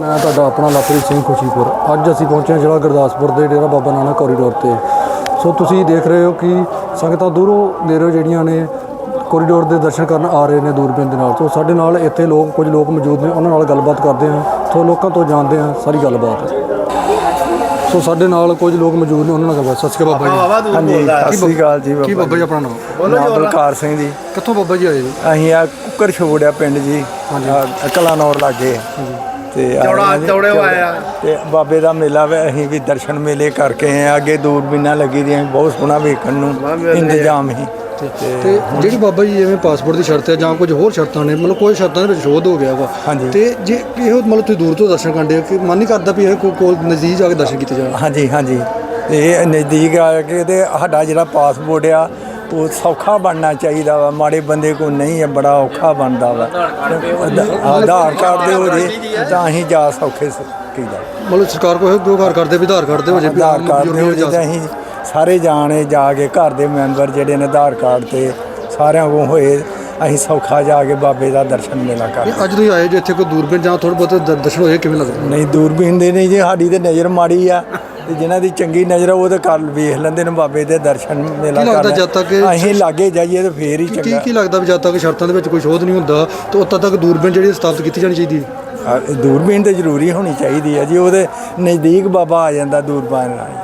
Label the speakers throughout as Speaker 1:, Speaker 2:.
Speaker 1: मैं तुहाडा अपना लवप्रीत सिंह खुशीपुर। अज असीं पहुंचे जिला गुरदासपुर के डेरा बाबा नानक कॉरीडोर पर। सो तुसीं देख रहे हो कि संगतां दूरों नेड़ों जिहड़ियां ने कॉरीडोर के दर्शन करन आ रहे हैं दूरबीन के नाल। तो साडे नाल इत्थे लोग कुछ लोग मौजूद ने, उन्हां नाल गलबात करते हैं, तो लोगों तो जानते हैं सारी गलबात। सो साडे नाल कुछ लोग मौजूद ने, उन्हां नाल गलबात। सत श्री अकाल बाबा जी।
Speaker 2: हाँ जी, सत श्री अकाल जी।
Speaker 1: की बाबा जी अपना नाम?
Speaker 2: बलकार सिंह जी।
Speaker 1: कित्थों बाबा जी आए जी?
Speaker 2: असीं आ कुकर छोड़िया पिंड जी, कलानौर लागे ते बाबे का मेला वे। असीं भी दर्शन मेले करके आए। अगे दूरबीना लगी दी, बहुत सोहना वेखण नूं इंतजाम ही।
Speaker 1: ਤੇ ਜਿਹੜੀ ਬਾਬਾ ਜੀ ਜਿਵੇਂ ਪਾਸਪੋਰਟ ਦੀ ਸ਼ਰਤ ਹੈ ਜਾਂ ਕੁਝ ਹੋਰ ਸ਼ਰਤਾਂ ਨੇ, ਮਤਲਬ ਕੋਈ ਸ਼ਰਤਾਂ ਦੇ ਵਿੱਚ ਸ਼ੋਧ ਹੋ ਗਿਆ ਵਾ।
Speaker 2: ਹਾਂਜੀ।
Speaker 1: ਤੇ ਜੇ ਇਹੋ ਮਤਲਬ ਤੁਸੀਂ ਦੂਰ ਤੋਂ ਦਰਸ਼ਨ ਕਰਦੇ ਹੋ ਕਿ ਮਨ ਨਹੀਂ ਕਰਦਾ ਵੀ ਇਹ ਕੋਲ ਨਜ਼ਦੀਕ ਜਾ ਕੇ ਦਰਸ਼ਨ ਕੀਤੇ ਜਾਣ?
Speaker 2: ਹਾਂਜੀ ਹਾਂਜੀ, ਇਹ ਨਜ਼ਦੀਕ ਆ ਕੇ ਤੇ ਸਾਡਾ ਜਿਹੜਾ ਪਾਸਪੋਰਟ ਆ ਉਹ ਸੌਖਾ ਬਣਨਾ ਚਾਹੀਦਾ ਵਾ। ਮਾੜੇ ਬੰਦੇ ਕੋਲ ਨਹੀਂ ਹੈ, ਬੜਾ ਔਖਾ ਬਣਦਾ ਵਾ। ਆਧਾਰ ਕਾਰਡ ਦੇ ਹੋ ਜੇ ਤਾਂ ਅਸੀਂ ਜਾ ਸੌਖੇ ਕੀਦਾ।
Speaker 1: ਮਤਲਬ ਸਰਕਾਰ ਕੋਲ ਜੋ ਘਰ ਕਰਦੇ ਵੀ ਆਧਾਰ ਕਾਰਡ ਦੇ ਹੋ ਜੇ,
Speaker 2: ਆਧਾਰ ਕਾਰਡ ਦੇ ਹੋ ਜੇ ਤਾਂ ਅਸੀਂ ਸਾਰੇ ਜਾਣੇ ਜਾ ਕੇ ਘਰ ਦੇ ਮੈਂਬਰ ਜਿਹੜੇ ਨੇ ਆਧਾਰ ਕਾਰਡ ਤੇ ਸਾਰਿਆਂ ਕੋਲ ਹੋਏ, ਅਸੀਂ ਸੌਖਾ ਜਾ ਕੇ ਬਾਬੇ ਦਾ ਦਰਸ਼ਨ ਮੇਲਾ ਕਰ।
Speaker 1: ਅੱਜ ਤੁਸੀਂ ਆਏ ਜੇ ਇੱਥੇ ਕੋਈ ਦੂਰਬੀਨ ਜਾਂ ਥੋੜ੍ਹੇ ਬਹੁਤ ਦਰਸ਼ਨ ਹੋਏ, ਕਿਵੇਂ ਲੱਗਦਾ?
Speaker 2: ਨਹੀਂ, ਦੂਰਬੀਨ ਦੇ ਨਹੀਂ ਜੀ, ਸਾਡੀ ਤੇ ਨਜ਼ਰ ਮਾੜੀ ਆ ਤੇ ਜਿਨ੍ਹਾਂ ਦੀ ਚੰਗੀ ਨਜ਼ਰ ਆ ਉਹ ਤਾਂ ਕਰ ਵੇਖ ਲੈਂਦੇ ਨੇ ਬਾਬੇ ਦੇ ਦਰਸ਼ਨ ਮੇਲਾ ਕਰ।
Speaker 1: ਜਦ ਤੱਕ
Speaker 2: ਅਸੀਂ ਲਾਗੇ ਜਾਈਏ ਤਾਂ ਫੇਰ ਹੀ ਚੰਗਾ।
Speaker 1: ਕੀ ਲੱਗਦਾ ਵੀ ਜਦ ਤੱਕ ਸ਼ਰਤਾਂ ਦੇ ਵਿੱਚ ਕੋਈ ਸ਼ੋਧ ਨਹੀਂ ਹੁੰਦਾ ਤਾਂ ਉਦੋਂ ਤੱਕ ਦੂਰਬੀਨ ਜਿਹੜੀ ਸਥਾਪਿਤ ਕੀਤੀ ਜਾਣੀ ਚਾਹੀਦੀ ਹੈ?
Speaker 2: ਦੂਰਬੀਨ ਤਾਂ ਜ਼ਰੂਰੀ ਹੋਣੀ ਚਾਹੀਦੀ ਹੈ ਜੀ, ਉਹਦੇ ਨਜ਼ਦੀਕ ਬਾਬਾ ਆ ਜਾਂਦਾ ਦੂਰਬੀਨ ਨਾਲ।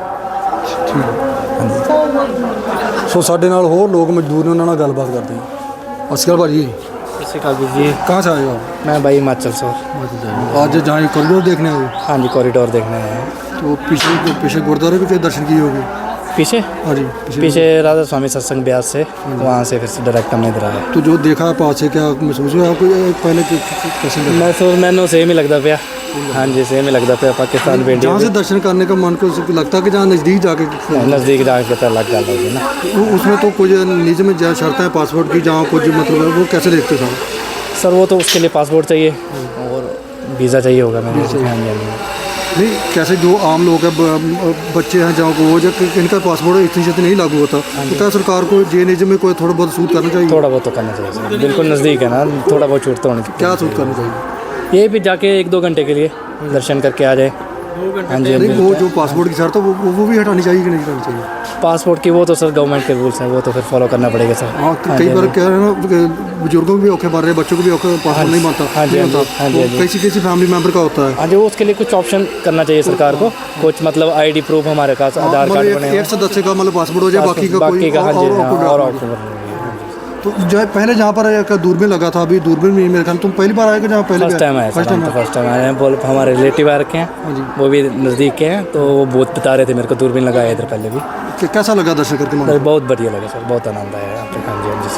Speaker 1: ਸੋ ਸਾਡੇ ਨਾਲ ਹੋਰ ਲੋਕ ਮਜ਼ਦੂਰ ਨੇ, ਉਹਨਾਂ ਨਾਲ ਗੱਲਬਾਤ ਕਰਦੇ ਹਾਂ। ਸਤਿ ਸ਼੍ਰੀ ਅਕਾਲ ਭਾਜੀ।
Speaker 3: सत श्री अकाल जी।
Speaker 1: कहाँ से आए हो आप?
Speaker 3: मैं भाई हिमाचल से।
Speaker 1: आज जहाँ कॉरिडोर देखने आए हो?
Speaker 3: हाँ जी, कॉरिडोर देखने आए हैं।
Speaker 1: तो पीछे गुरुद्वारे भी के दर्शन किए होंगे?
Speaker 3: पीछे?
Speaker 1: हाँ जी,
Speaker 3: पीछे राधा स्वामी सत्संग ब्यास से, वहाँ से फिर से डायरेक्ट हमने इधर आए।
Speaker 1: तो जो देखा है पास से, क्या महसूस हुआ आपको पहले कैसे?
Speaker 3: मैंने सेम ही लगता पाया। हाँ जी, सेम ही लगता पाया। पाकिस्तान पे
Speaker 1: जहाँ से दर्शन करने का मन को लगता है कि जहाँ नज़दीक जाके
Speaker 3: नज़दीक जाके पता लग जाता है ना।
Speaker 1: उसमें तो कुछ निजी में जहाँ शर्तें हैं पासपोर्ट की, जहाँ कुछ मतलब वो कैसे देखते हो
Speaker 3: सर? वो तो उसके लिए पासपोर्ट चाहिए और वीज़ा चाहिए होगा मैंने।
Speaker 1: नहीं, कैसे जो आम लोग हैं, बच्चे हैं जहाँ को, वो जब इनका पासपोर्ट इतनी छेती नहीं लागू होता, तो क्या सरकार को जे निजी में कोई थोड़ा बहुत सूट करना चाहिए?
Speaker 3: थोड़ा बहुत तो करना चाहिए सर, बिल्कुल नज़दीक है ना, थोड़ा बहुत छूट तो होनी चाहिए।
Speaker 1: क्या सूट करना चाहिए?
Speaker 3: ये भी जाके 1-2 घंटे के लिए दर्शन करके आ जाए। हाँ जी।
Speaker 1: वो जो पासपोर्ट की शर्त है वो भी हटानी चाहिए कि नहीं हटानी चाहिए?
Speaker 3: पासपोर्ट की वो तो सर गवर्नमेंट के रूल्स हैं, वो तो फिर फॉलो करना पड़ेगा सर।
Speaker 1: हाँ, कई बार कह रहे हैं ना, बुजुर्गों को भी औखे मार रहे हैं, बच्चों को भी औखे, पासपोर्ट नहीं बनता।
Speaker 3: हाँ जी, हाँ जी।
Speaker 1: किसी फैमिली मेंबर का होता है।
Speaker 3: हाँ जी, वो उसके लिए कुछ ऑप्शन करना चाहिए सरकार को, कुछ मतलब आईडी प्रूफ हमारे पास, आधार कार्ड बने,
Speaker 1: एक सदस्य का मतलब पासपोर्ट हो जाए, बाकी का
Speaker 3: हाँ जी और ऑप्शन।
Speaker 1: तो जो है पहले जहाँ पर एक दूरबीन लगा था, अभी दूरबीन में मेरे ख्याल तुम पहली बार आए कि जहाँ पहले?
Speaker 3: फर्स्ट टाइम आए। फर्स्ट टाइम आए हैं। बोल हमारे रिलेटिव आ रखे हैं, वो भी नज़दीक के हैं, तो वो बहुत बता रहे थे मेरे को दूरबीन लगाया इधर पहले भी।
Speaker 1: कैसा लगा दर्शन करके?
Speaker 3: बहुत बढ़िया लगा सर, बहुत आनंद आया यहाँ पे। हाँ जी, हाँ जी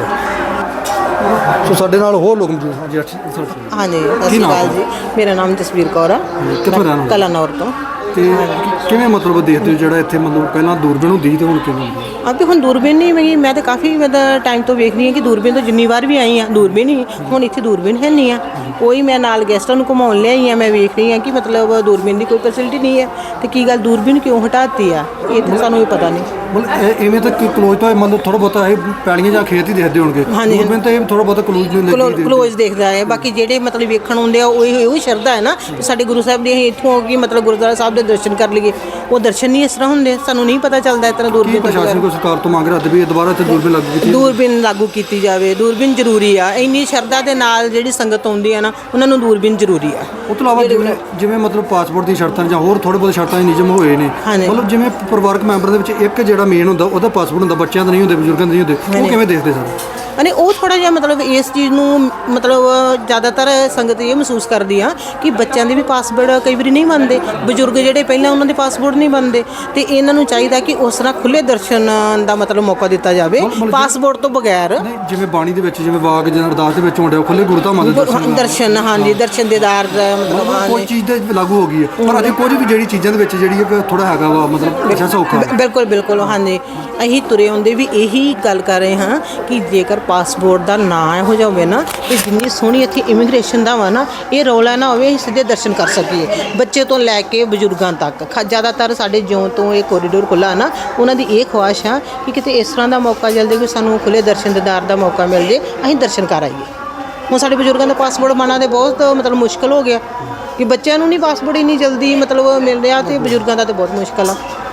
Speaker 3: सर।
Speaker 1: तो साढ़े नाल होर लोग मौजूद?
Speaker 4: हाँ जी, सत श्री अकाल जी। मेरा नाम जसवीर कौर है,
Speaker 1: कित्थों रहना?
Speaker 4: कलानौर तो।
Speaker 1: किवें मतलब देखते हो ਜਿਹੜਾ ਇੱਥੇ मतलब ਪਹਿਲਾਂ ਦੂਰਬੀਨ ਹੁੰਦੀ ਸੀ ਤੇ ਹੁਣ ਕਿਵੇਂ ਹੁੰਦੀ?
Speaker 4: अब तो हम दूरबीन नहीं मैं तो काफ़ी मतलब टाइम तो वेख रही हूँ कि दूरबीन तो जिन्नी बार भी आई हाँ दूरबीन ही हूँ, इतने दूरबीन है नहीं है कोई। मैं नाल गेस्टां नूं घुमाउण ले आई हाँ, मैं वेख रही हाँ कि मतलब दूरबीन की कोई फैसिलिटी नहीं है, तो की गल दूरबीन क्यों हटाती है ये तो सानूं भी पता नहीं।
Speaker 1: मतलब इवें तो क्लोज तो मतलब थोड़ा बहुत पैलियां ਜਾਂ ਖੇਤ ਹੀ ਦੇਖਦੇ ਹੋਣਗੇ। दूरबीन तो ਇਹ थोड़ा बहुत
Speaker 4: क्लोज देखदा है, बाकी ਜਿਹੜੇ मतलब ਵੇਖਣ ਆਉਂਦੇ ਆ ਉਹ ਸ਼ਰਧਾ ਹੈ ਨਾ ਸਾਡੇ ਗੁਰੂ ਸਾਹਿਬ ਦੀ। ਅਸੀਂ ਇੱਥੋਂ ਕਿ ਮਤਲਬ ਗੁਰਦੁਆਰਾ ਸਾਹਿਬ ਦੇ ਦਰਸ਼ਨ ਕਰ ਲਈਏ, ਉਹ ਦਰਸ਼ਨ ਨਹੀਂ ਇਸ ਤਰ੍ਹਾਂ ਹੁੰਦੇ, ਸਾਨੂੰ ਨਹੀਂ ਪਤਾ ਚੱਲਦਾ ਇਸ ਤਰ੍ਹਾਂ। ਦੂਰਬੀਨ
Speaker 1: ਪ੍ਰਸ਼ਾਸਨ ਕੋ ਸਰਕਾਰ ਤੋਂ ਮੰਗ ਰਿਹਾ ਵੀ ਦੁਬਾਰਾ ਇੱਥੇ ਦੂਰਬੀਨ ਲਾਗੂ ਕੀਤੀ
Speaker 4: ਜਾਵੇ। ਦੂਰਬੀਨ ਜ਼ਰੂਰੀ ਆ, ਇੰਨੀ ਸ਼ਰਧਾ ਦੇ ਨਾਲ ਜਿਹੜੀ ਸੰਗਤ ਆਉਂਦੀ ਆ ਨਾ, ਉਹਨਾਂ ਨੂੰ ਦੂਰਬੀਨ ਜ਼ਰੂਰੀ ਆ।
Speaker 1: ਉਹ ਤੋਂ ਇਲਾਵਾ ਜਿਵੇਂ ਮਤਲਬ ਪਾਸਪੋਰਟ ਦੀ ਸ਼ਰਤਾਂ ਜਾਂ ਹੋਰ ਥੋੜੇ ਬਹੁਤ ਸ਼ਰਤਾਂ ਨਿਯਮ ਹੋਏ ਨੇ, ਮਤਲਬ ਜਿਵੇਂ ਪਰਿਵਾਰਕ ਮੈਂਬਰ ਦੇ ਵਿੱਚ ਇੱਕ ਜਿਹੜਾ ਮੇਨ ਹੁੰਦਾ ਉਹਦਾ ਪਾਸਪੋਰਟ ਹੁੰਦਾ, ਬੱਚਿਆਂ ਦਾ ਨਹੀਂ ਹੁੰਦੇ, ਬਜ਼ੁਰਗਾਂ ਦੇ ਨਹੀਂ ਹੁੰਦੇ, ਉਹ ਕਿਵੇਂ ਦੇਖਦੇ ਸਰ?
Speaker 4: अने वो थोड़ा जिहा मतलब इस चीज़ नूं मतलब ज़्यादातर संगत ये महसूस करती आ कि बच्चों के भी पासपोर्ट कई बार नहीं बनते, बजुर्ग जोड़े पहले उन्होंने पासपोर्ट नहीं बनते, तो इन्हों चाहिए कि उस तरह खुले दर्शन का मतलब मौका दिता जाए पासपोर्ट तो बगैर।
Speaker 1: जिवें बाणी दे विच जिवें वाग जां अरदास दे विच होंदे खुले गुरधामां दे
Speaker 4: दर्शन। हाँ जी, दर्शन दीदार मतलब
Speaker 1: कोई चीज़ ते लागू हो गई है, पर अजे कुछ भी जिहड़ी चीज़ां दे विच जिहड़ी थोड़ा हैगा वा मतलब अच्छा सौखा।
Speaker 4: बिल्कुल बिल्कुल। हाँ जी, असीं तुरे आउंदे भी यही गल कर रहे हाँ कि जेकर पासपोर्ट का ना हो जाए ना, तो जिन्नी सोहनी इत्थे इमीग्रेशन का वा ना, ये रौला ना होवे, असीं सीधे दर्शन कर सकीए बच्चे तो लैके बजुर्गों तक। ज़्यादातर साढ़े ज्यों तो ये कॉरीडोर खुला ना, उन्होंने ये ख्वाहिश है कि किते इस तरह का मौका मिल जाए कि सानू खुले दर्शन दीदार का मौका मिल जाए, असीं दर्शन कर आइए। हुण साढ़े बजुर्गों का पासपोर्ट बनना तो बहुत मतलब मुश्किल हो गया, ਕਿ ਬੱਚਿਆਂ ਨੂੰ ਨਹੀਂ ਪਾਸਪੋਰਟ ਇੰਨੀ ਜਲਦੀ ਮਤਲਬ ਮਿਲ ਰਿਹਾ ਤੇ ਬਜ਼ੁਰਗਾਂ ਦਾ ਤਾਂ ਬਹੁਤ ਮੁਸ਼ਕਲ ਆ।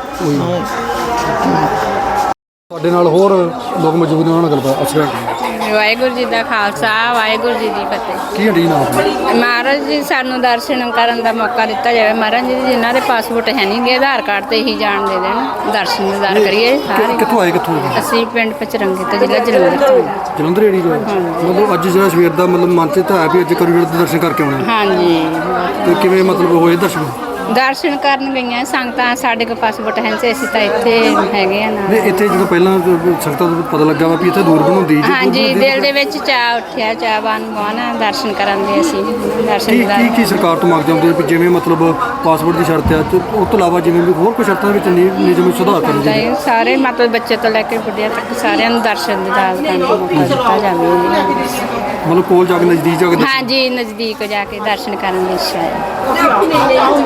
Speaker 1: ਸਾਡੇ ਨਾਲ ਹੋਰ ਲੋਕ ਮੌਜੂਦ ਨੇ, ਉਹਨਾਂ ਨਾਲ ਗੱਲਬਾਤ ਅਸਰ
Speaker 5: ਵਾਹਿਗੁਰੂ ਜੀ ਦਾ ਖਾਲਸਾ ਵਾਹਿਗੁਰੂ ਜੀ ਦੀ ਫਤਿਹ।
Speaker 1: ਕੀ ਹੱਡੀ ਨਾਮ
Speaker 5: ਮਹਾਰਾਜ ਜੀ ਸਾਨੂੰ ਦਰਸ਼ਨ ਕਰਨ ਦਾ ਮੌਕਾ ਦਿੱਤਾ ਜਾਵੇ। ਮਹਾਰਾਜ ਜੀ ਜਿਨ੍ਹਾਂ ਦੇ ਪਾਸਪੋਰਟ ਹੈ ਨਹੀਂ ਗੇ ਆਧਾਰ ਕਾਰਡ ਤੇ ਹੀ ਜਾਣ ਦੇ ਦੇਣ, ਦਰਸ਼ਨ ਦਿਦਾਰ ਕਰੀਏ ਸਾਰੇ।
Speaker 1: ਕਿੱਥੋਂ ਆਏ ਕਿੱਥੋਂ?
Speaker 5: ਅਸੀਂ ਪਿੰਡ ਪਚਰੰਗੇ ਤੋਂ ਜ਼ਿਲ੍ਹਾ ਜਲੰਧਰ ਤੋਂ।
Speaker 1: ਜਲੰਧਰ ਏੜੀ ਜੋ ਮਤਲਬ ਅੱਜ ਜਿਹੜਾ ਸਵੇਰ ਦਾ ਮਤਲਬ ਮਨ 'ਚ ਤਾਂ ਹੈ ਵੀ ਅੱਜ ਕੋਰੀਡੋਰ ਦੇ ਦਰਸ਼ਨ ਕਰਕੇ ਆਉਣੇ,
Speaker 5: ਹਾਂਜੀ
Speaker 1: ਤੇ ਕਿਵੇਂ ਮਤਲਬ ਹੋਏ ਦਰਸ਼ਨ?
Speaker 5: ਦਰਸ਼ਨ ਕਰਨ ਗਈਆਂ ਸੰਗਤਾਂ, ਸਾਡੇ ਕੋਲ ਪਾਸਪੋਰਟ ਹੈ ਨਹੀਂ, ਅਸੀਂ ਤਾਂ ਇੱਥੇ ਹੈਗੇ ਆ ਨਾ।
Speaker 1: ਨਹੀਂ ਇੱਥੇ ਜਦੋਂ ਪਹਿਲਾਂ ਸੰਗਤਾਂ ਨੂੰ ਪਤਾ ਲੱਗਾ ਵਾ ਵੀ ਇੱਥੇ ਦੂਰ ਬਣਾਉਂਦੀ
Speaker 5: ਹਾਂਜੀ ਦਿਲ ਦੇ ਵਿੱਚ ਚਾਅ ਉੱਠਿਆ, ਚਾਹਵਾਨ ਬਣਾ ਦਰਸ਼ਨ ਕਰਨ ਦੇ। ਅਸੀਂ ਦਰਸ਼ਨ ਦਿਦਾਰ
Speaker 1: ਕੀ ਸਰਕਾਰ ਤੋਂ ਮੰਗਦੇ ਹੁੰਦੇ ਵੀ ਜਿਵੇਂ ਮਤਲਬ ਪਾਸਪੋਰਟ ਦੀ ਸ਼ਰਤ ਹੈ ਤੇ ਉਸ ਤੋਂ ਇਲਾਵਾ ਜਿਵੇਂ ਵੀ ਹੋਰ ਕੋਈ ਸ਼ਰਤਾਂ ਵਿੱਚ ਨਿਯਮ ਸੁਧਾਰ ਕਰਨ ਦੀ?
Speaker 5: ਸਾਰੇ ਮਤਲਬ ਬੱਚੇ ਤੋਂ ਲੈ ਕੇ ਬੁੱਢਿਆਂ ਤੱਕ ਸਾਰਿਆਂ ਨੂੰ ਦਰਸ਼ਨ ਦਿਦਾਰ ਕਰਨ ਦਾ ਮੌਕਾ ਦਿੱਤਾ ਜਾਵੇ।
Speaker 1: ਮਤਲਬ ਕੋਲ ਜਾ ਕੇ ਨਜ਼ਦੀਕ ਜਾ ਕੇ
Speaker 5: ਹਾਂਜੀ ਨਜ਼ਦੀਕ ਜਾ ਕੇ ਦਰਸ਼ਨ ਕਰਨ ਦੀ ਇੱਛਾ ਹੈ।